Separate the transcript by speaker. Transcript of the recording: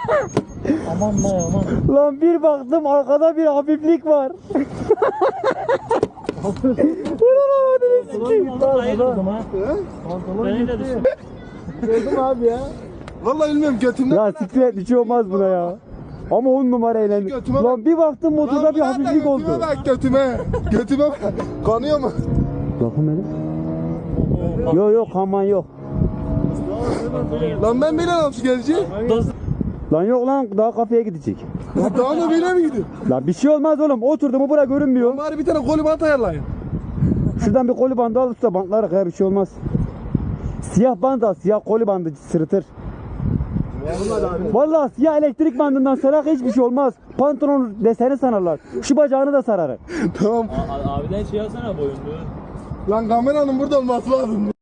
Speaker 1: Aman lan aman.
Speaker 2: Lan bir baktım arkada bir hafiflik var.
Speaker 1: Ayırdım ha. Ben öyle düştüm.
Speaker 3: Gördüm abi ya. Vallahi bilmiyorum götümden.
Speaker 2: Ya siklet bir şey olmaz buna ya. Ama 10 numara eğlendi.
Speaker 3: Götüme
Speaker 2: Lan bir baktım motorda bir hafiflik oldu.
Speaker 3: Götüme bak götüme. Götüme bak. Kanıyor mu?
Speaker 2: Bakın hele. Yok yok aman yok.
Speaker 3: Lan ben bile nasıl geleceğim?
Speaker 2: Lan yok lan daha kafeye gidecek.
Speaker 3: Lan daha ne bile mi gidiyor?
Speaker 2: Lan bir şey olmaz oğlum. Oturdu mu bura görünmüyor.
Speaker 3: Bari bir tane kolibant ayarlayın.
Speaker 2: Şuradan bir koli bandı al usta bantlara kaya bir şey olmaz. Siyah band al. Siyah koli bandı sırıtır. Vallahi siyah elektrik bandından sarak hiçbir şey olmaz. Pantolon deseni sanarlar. Şu bacağını da sararır.
Speaker 3: Tamam.
Speaker 1: Abiden şey alsana boyunluğu.
Speaker 3: Lan kameranın burada olması lazım.